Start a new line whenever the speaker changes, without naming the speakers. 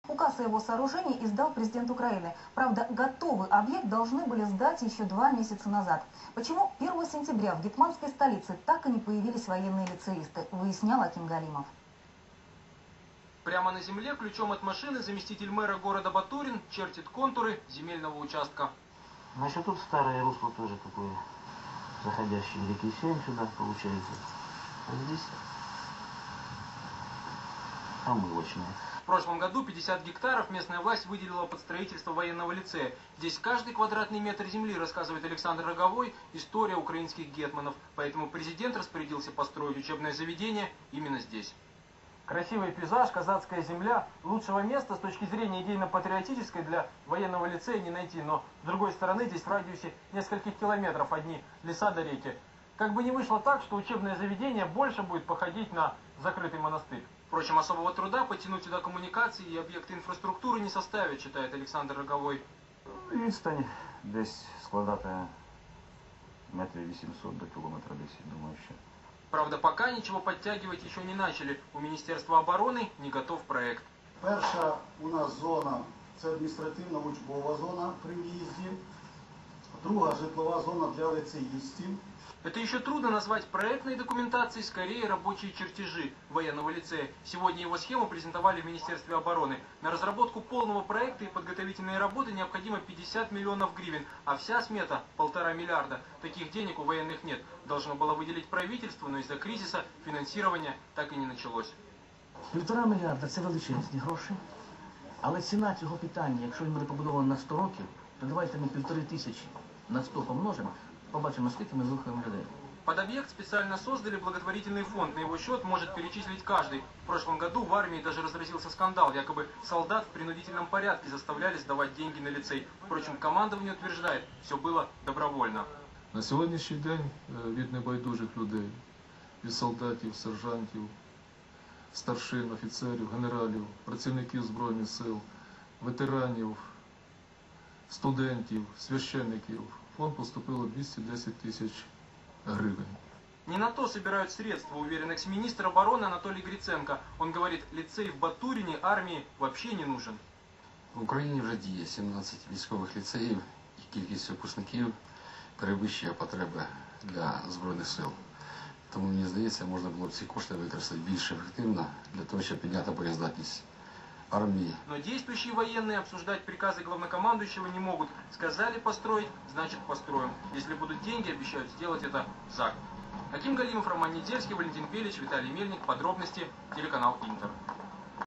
Указ о его сооружении издал президент Украины. Правда, готовый объект должны были сдать еще 2 месяца назад. Почему 1 сентября в гетманской столице так и не появились военные лицеисты, выяснял Аким Галимов.
Прямо на земле ключом от машины заместитель мэра города Батурин чертит контуры земельного участка.
Значит, тут старое русло тоже такое, заходящее в реки Сень сюда получается. А здесь омывочная.
В прошлом году 50 гектаров местная власть выделила под строительство военного лицея. Здесь каждый квадратный метр земли, рассказывает Александр Роговой, история украинских гетманов. Поэтому президент распорядился построить учебное заведение именно здесь. Красивый пейзаж, казацкая земля. Лучшего места с точки зрения идейно-патриотической для военного лицея не найти. Но с другой стороны, здесь в радиусе нескольких километров одни леса до реки. Как бы ни вышло так, что учебное заведение больше будет походить на закрытый монастырь. Впрочем, особого труда потянуть сюда коммуникации и объекты инфраструктуры не составит, считает Александр Роговой.
Відстань десь складати метрів 800 до кілометра десь, думаю, ще.
Правда, пока ничего подтягивать еще не начали. У Министерства обороны не готов проект.
Перша у нас зона – це адміністративна учбова зона при в'їзді. Друга – житлова зона для лицеїстів.
Это еще трудно назвать проектной документацией, скорее рабочие чертежи военного лицея. Сегодня его схему презентовали в Министерстве обороны. На разработку полного проекта и подготовительные работы необходимо 50 миллионов гривен, а вся смета – 1,5 миллиарда. Таких денег у военных нет. Должно было выделить правительство, но из-за кризиса финансирование так и не началось.
1,5 мільярда – це величезні гроші, але ціна цього питання, якщо він буде побудований на 100 років, то давайте ми 1500 на 100 помножимо, побачимо, скільки ми виховуємо людей.
Под объект специально создали благотворительный фонд. На его счет может перечислить каждый. В прошлом году в армии даже разразился скандал. Якобы солдат в принудительном порядке заставляли сдавать деньги на лицей. Впрочем, командование утверждает, все было добровольно.
На сьогоднішній день від небайдужих людей, від солдатів, сержантів, старшин, офіцерів, генералів, працівників Збройних сил, ветеранів, студентів, священників, в фонд поступило 210 тысяч гривен.
Не на то собирают средства, уверен экс-министр обороны Анатолий Гриценко. Он говорит, лицей в Батурине армии вообще не нужен.
В Україні вже діє 17 військових ліцеїв, і кількість випускників перевищує потреби для Збройних сил. Тому, мені здається, можна було б ці кошти використати більш ефективно для того, щоб підняти боєздатність армии.
Но действующие военные обсуждать приказы главнокомандующего не могут. Сказали построить, значит построим. Если будут деньги, обещают сделать это за год. Аким Галимов, Роман Недельский, Валентин Пелич, Виталий Мельник. Подробности, телеканал Интер.